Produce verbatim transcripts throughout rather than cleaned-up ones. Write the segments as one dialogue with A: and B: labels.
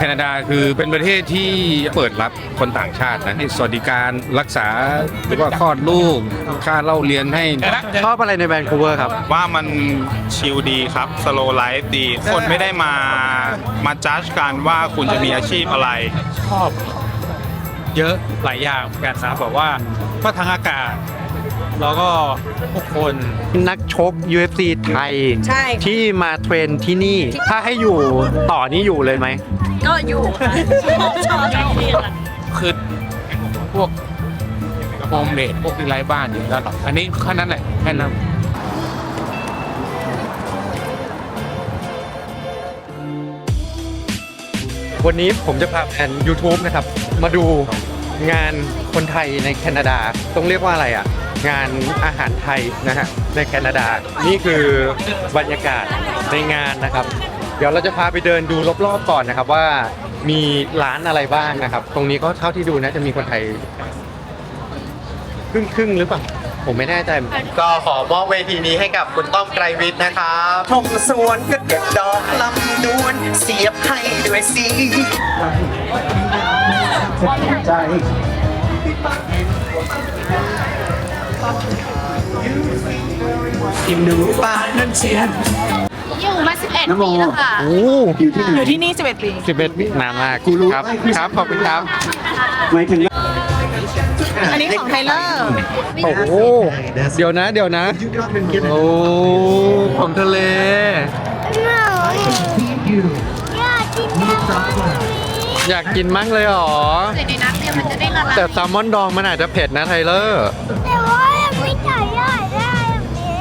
A: แคนาดาคือเป็นประเทศที่เปิดรับคนต่างชาตินะให้สวัสดิการรักษาหรือว่าคลอดลูกค่าเล่าเรียนให้
B: ชอบอะไรในแวนคูเวอร์ครับ
C: ว่ามันชิลดีครับสโลไลฟ์ดีคนไม่ได้มามาจัดกันว่าคุณจะมีอาชีพอะไร
D: ชอบเยอะหลายอย่างเหมือนกันนะแบบว่าก็ทั้งอากาศแล้วก็ผู้คน
B: นักชก ยู เอฟ ซี ไทย
E: ใช่
B: ที่มาเทรนที่นี่ถ้าให้อยู่ต่อนี่อยู่เลยไหม
E: ก็อยู่ค่ะชอบชอบที่ค่ะ
D: คือพวกโฮมเลดพวกที่ไร้บ้านอยู่แล้วอันนี้แค่นั้นแหละแค่นั้น
B: วันนี้ผมจะพาแฟน YouTube นะครับมาดูงานคนไทยในแคนาดาต้องเรียกว่าอะไรอ่ะงานอาหารไทยนะฮะในแคนาดานี่คือบรรยากาศในงานนะครับเดี๋ยวเราจะพาไปเดินดูรอบๆก่อนนะครับว่ามีร้านอะไรบ้างนะครับตรงนี้ก็เท่าที่ดูนะจะมีคนไทยครึ่งครึ่งหรือเปล่าผมไม่แน่ใจก็ขอมอบเวทีนี้ให้กับคุณต้อมไกรวิทย์นะครับ
F: ทงสวนก็เก็บดอกลำดวนเสียบให้ด้วยสีใจกินดูป่านั่นเชียน
E: อยู่มาสิบเอ็ดปีแล้วค่ะอยู่ที่นี่สิบเอ็ดปี
B: สิบเอ็ดปีนานมากครับครับขอบคุณครับ
F: ไม่ถึง
E: อันนี้ของไทเลอร์
B: โอ้โหเดี๋ยวนะเดี๋ยวนะโอ้ของทะเลอยากกินมั้งเลยหรอ
E: ในน้ำเนี่ยมันจะได้ละลาย
B: แต่แซลมอนดองมันอาจจะเผ็ดนะไทเลอร์
E: แต่ว่าไม่ใช่ได้ได้แบบนี้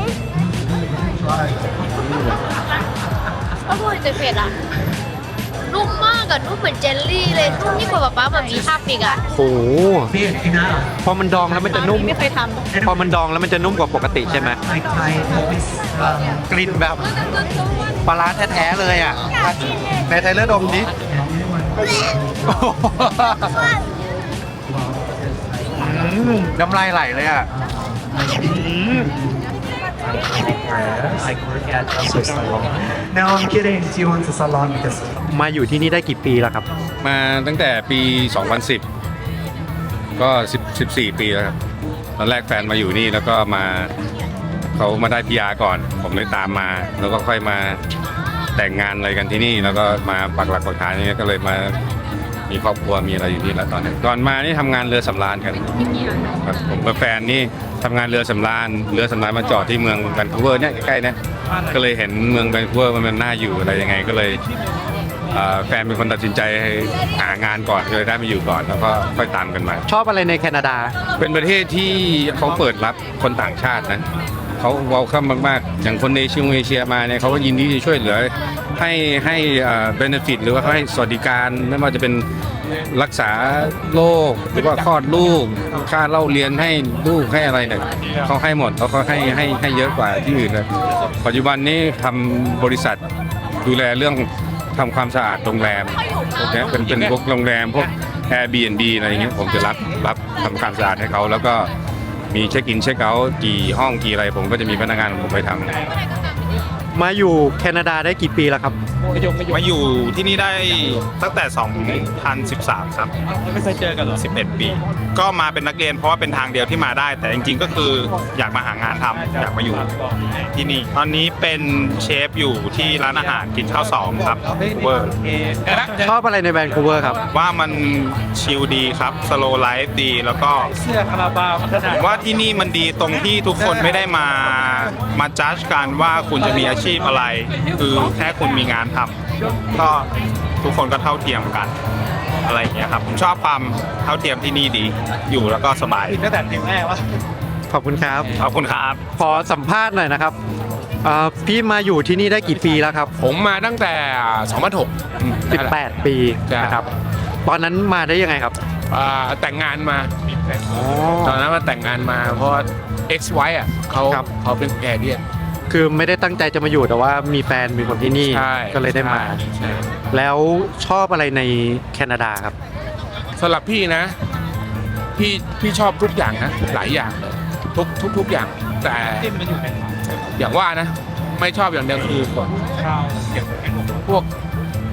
E: ก็พูดจะเผ็ดอ่ะนุ่มมากอะนุ่มเหมือนเจลลี่เลยนุ่มยิ่งกว่าป๊าแบบมีภาพอีกอะ
B: โอ้โหพอมันดองแล้วมันจะนุ่ม
E: ไม่เคยท
B: ำพอมันดองแล้วมันจะนุ่มกว่าปกติใช่ไหมกลิ่นแบบปลาร้าแท้ๆเลยอ่ะในไทเลอร์ดมดิน้ำลายไหลเลยอ่ะ
F: No, I'm kidding. Do you want a salon? Because
B: มาอยู่ที่นี่ได้กี่ปีแล้วครับ
A: มาตั้งแต่ปี สองพันสิบ ก็สิบสี่ปีแล้วครับตอนแรกแฟนมาอยู่นี่แล้วก็มาเขามาได้พีอาร์ก่อนผมเลยตามมาแล้วก็ค่อยมาแต่งงานอะไรกันที่นี่แล้วก็มาปักหลักปักฐานนี่ก็เลยมามีครอบครัวมีอะไรอยู่นี่แล้วตอนนี้ก่อนมานี่ทำงานเรือสำราญกันครับผมกับแฟนนี่ทำงานเรือสำราญเรือสำราญมาจอดที่เมืองแวนคูเวอร์เนี่ยใกล้ๆนะก็เลยเห็นเมืองแวนคูเวอร์มันน่าอยู่อะไรยังไงก็เลยแฟนเป็นคนตัดสินใจหางานก่อนก็เลยได้มาอยู่ก่อนแล้วก็ค่อยตามกันมา
B: ชอบอะไรในแคนาดา
A: เป็นประเทศที่เขาเปิดรับคนต่างชาตินะเขาเวลคัมมากๆอย่างคนในเชียงเอเชียมาเนี่ยเขาก็ยินดีจะช่วยเหลือให้ให้เบเนฟิตหรือว่าให้สวัสดิการไม่ว่าจะเป็นรักษาโรคหรือว่าคลอดลูกค่าเล่าเรียนให้ลูกให้อะไรเนี่ยเขาให้หมดเขาเขาให้ให้ให้เยอะกว่าที่อื่นเลยปัจจุบันนี้ทำบริษัทดูแลเรื่องทำความสะอาดโรงแรมเนี่ยเป็นเป็นพวกโรงแรมพวก Airbnb อะไรอย่างเงี้ยผมจะรับรับทำความสะอาดให้เขาแล้วก็มีเช็คอินเช็คเอาท์กี่ห้องกี่อะไรผมก็จะมีพนักงานผมไปทำ
B: มาอยู่แคนาดาได้กี่ปีแล้วครับ
C: มาอยู่ที่นี่ได้ตั้งแต่สองพันสิบสามครับ
D: ไม่เคยเจอกันหรอ
C: สิบเอ็ดปีก็มาเป็นนักเรียนเพราะว่าเป็นทางเดียวที่มาได้แต่จริงๆก็คืออยากมาหางานทำอยากมาอยู่ที่นี่ตอนนี้เป็นเชฟอยู่ที่ร้านอาหารกินข้าวสองครับเวอร์
B: ชอบอะไรในแวนคูเวอร์ครับ
C: ว่ามันชิลดีครับสโลไลฟ์ดีแล้วก็
D: เสื้อคาราบาว
C: ว่าที่นี่มันดีตรงที่ทุกคนไม่ได้มามาจัดกันว่าคุณจะมีอาชีพอะไรคือแค่คุณมีงานทำก็ทุกคนก็เท่าเทียมกันอะไรอย่างเงี้ยครับผมชอบความเท่าเทียมที่นี่ดีอยู่แล้วก็สบาย
D: ตั้งแต่เด็กแม่วะ
B: ขอบคุณครับ
C: ขอบคุณครับ
B: ขอสัมภาษณ์หน่อยนะครับพี่มาอยู่ที่นี่ได้กี่ปีแล้วครับ
D: ผมมาตั้งแต่สองพันหก
B: สิบแปดปีนะครับตอนนั้นมาได้ยังไงครับ
D: แต่งงานมาตอนนั้นมาแต่งงานมาเพราะ ex wife อ่ะเขาเขาเป็นแกเดียน
B: คือไม่ได้ตั้งใจจะมาอยู่แต่ว่ามีแฟนมีคนที่นี่ก็เลยได้มาแล้วชอบอะไรในแคนาดาครับ
D: สำหรับพี่นะพี่พี่ชอบทุกอย่างนะหลายอย่างทุกทุกทุกอย่างแต่อย่างว่านะไม่ชอบอย่างเดียวคือพวก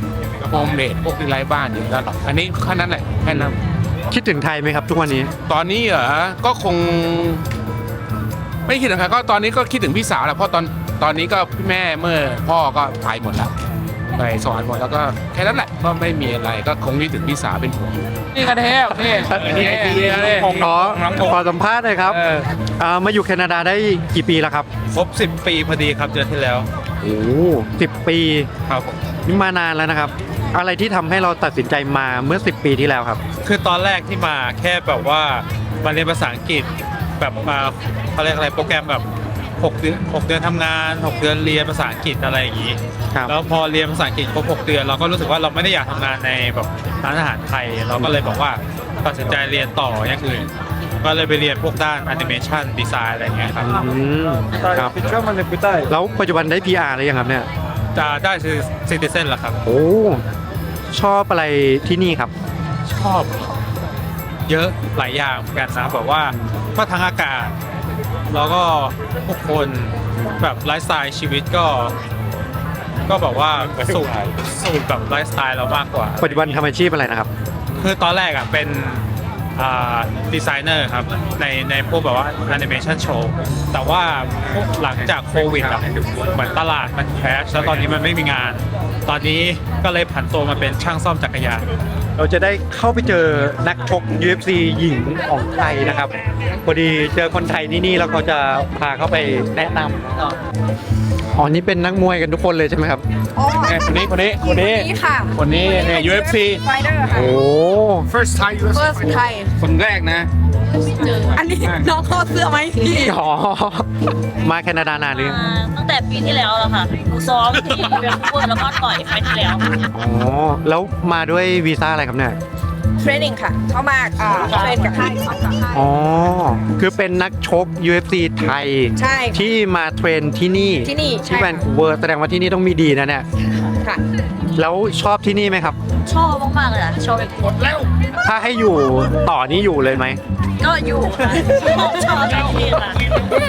G: โฮมเลดพวกที่ไร้บ้านอยู่แล้วหรอกอันนี้แค่นั้นแหละแค่นั้น
B: คิดถึงไทยไหมครับทุกวันนี้
G: ตอนนี้เหรอก็คง ไม่คิดถึงใครก็ตอนนี้ก็คิดถึงพี่สาวแหละเพราะตอนตอนนี้ก็พี่แม่เมื่อพ่อก็ไปหมดแล้วไปสอนหมดแล้วก็แค่นั้นแหละก็ไม่มีอะไรก็คงคิดถึงพี่สาวเป็นห่วงนี่กันแท้นี่นี่นี่นี่
B: ขอขอสัมภาษณ์หน่อยครับ
G: เออ
B: อ่ามาอยู่แคนาดาได้กี่ปีแล้วครับ
C: ครบสิบปีพอดีครับเดือนที่แล้ว
B: โอ้สิบปี
C: ครับผม
B: นี่มานานแล้วนะครับ อะไรที่ทำให้เราตัดสินใจมาเมื่อสิบปีที่แล้วครับ
C: คือตอนแรกที่มาแค่แบบว่ามาเรียนภาษาอังกฤษแบบมาเขาเรียกอะไรโปรแกรมแบบหกเดือนหกเดือนทำงานหกเดือนเรียนภาษาอังกฤษอะไรอย่างนี้
B: ครับ
C: แล้วพอเรียนภาษาอังกฤษครบหกเดือนเราก็รู้สึกว่าเราไม่ได้อยากทำงานในแบบร้านอาหารไทย เราก็เลยบอกว่าตัดสินใจเรียนต่ออย่างอื่นก็เลยไปเรียนพวกด้านแอนิเมชันดีไซน์อะไรอย่างเงี้ยครับ
B: อืมครับแล้วปัจจุบันได้ พี อาร์ หรือยังครับเนี่ย
C: จะได้ซิติเซนแล้วครับ
B: โอ้ชอบอะไรที่นี่ครับ
C: ชอบเยอะหลายอย่างเหมือนกันนะแบบว่าก็ทั้งอากาศแล้วก็ผู้คนแบบไลฟ์สไตล์ชีวิตก็ ก็แบบว่าสูตรสูตรแบบไลฟ์สไตล์เรามากกว่า
B: ปัจจุบันทำอาชีพอะไรนะครับ
C: คือตอนแรกอ่ะเป็นอ่าดีไซเนอร์ครับในในพวกแบบว่าแอนิเมชันโชว์แต่ว่าพวกหลังจากโควิดอ่ะเหมือนตลาดมันแคชแล้วตอนนี้มันไม่มีงาน ตอนนี้ก็เลยผันตัวมาเป็นช่างซ่อมจักรยาน
B: เราจะได้เข้าไปเจอนักชก ยู เอฟ ซี หญิงของไทยนะครับพอดีเจอคนไทยที่นี่แล้วเขาจะพาเข้าไปแนะนำอ๋อนี่เป็นนักมวยกันทุกคนเลยใช่ไหมครับ
G: เนี่ยคนนี้คนนี้คนนี้
H: นี่ค่ะ
G: คนนี้เนี่ย ยู เอฟ ซี
H: ไฟเดอร์ค่ะ
B: โอ้
G: first Thai ยู เอฟ ซี
H: เฟิร์สไทย
A: คนแรกนะ
H: อันนี้น้องเขาเสื้อไหมพี่
B: อ๋อมาแคนาดานานหรือยัง
I: อ่าตั้งแต่ปีที่แล้วแล้วค่ะหนูซ้อมที่เวนคูเวอร์แล้วก็ต่อยไฟล์ที่แล้ว
B: อ๋อแล้วมาด้วยวีซ่าอะไรครับเนี่ย
H: เทรนนิ่งค่ะ เข้ามาอ่าเทรนกับค่ายสอนกับค่าย
B: อ๋อคือเป็นนักชก ยู เอฟ ซี ไทย
H: ใช่ค่ะ
B: ที่มาเทรนที่นี่
H: ที่นี่ใช่
B: ที่แวนคูเวอร์แสดงว่าที่นี่ต้องมีดีนะเนี่ย
H: ค่ะ
B: แล้วชอบที่นี่ไหมครับ
I: ชอบมากๆเลยอ่ะชอบหมดแล้ว
B: ถ้าให้อยู่ต่อนี่อยู่เลยไหม
I: ก็อยู่ค่ะชอบชอบจริงๆค่ะ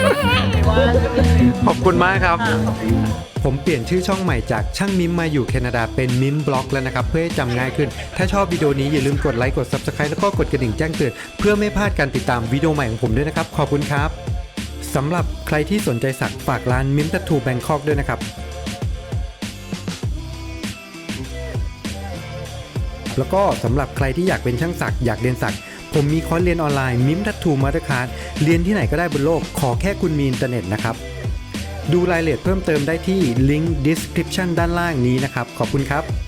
B: ขอบคุณมากครับ ผมเปลี่ยนชื่อช่องใหม่จากช่างมิมมาอยู่แคนาดาเป็นมิมบล็อกแล้วนะครับเพื่อให้จำง่ายขึ้น ถ้าชอบวิดีโอนี้อย่าลืมกดไลค์กด ซับสไครบ์ แล้วก็กดกระดิ่งแจ้งเตือนเพื่อไม่พลาดการติดตามวิดีโอใหม่ของผมด้วยนะครับขอบคุณครับสำหรับใครที่สนใจสักฝากร้านมิมทัตทูแบงคอกด้วยนะครับแล้วก็สำหรับใครที่อยากเป็นช่างสักอยากเรียนสักผมมีคอร์สเรียนออนไลน์มิมทัตทูมาสเตอร์คลาสเรียนที่ไหนก็ได้บนโลกขอแค่คุณมีอินเทอร์เน็ตนะครับดูรายละเอียดเพิ่มเติมได้ที่ลิงก์ description ด้านล่างนี้นะครับขอบคุณครับ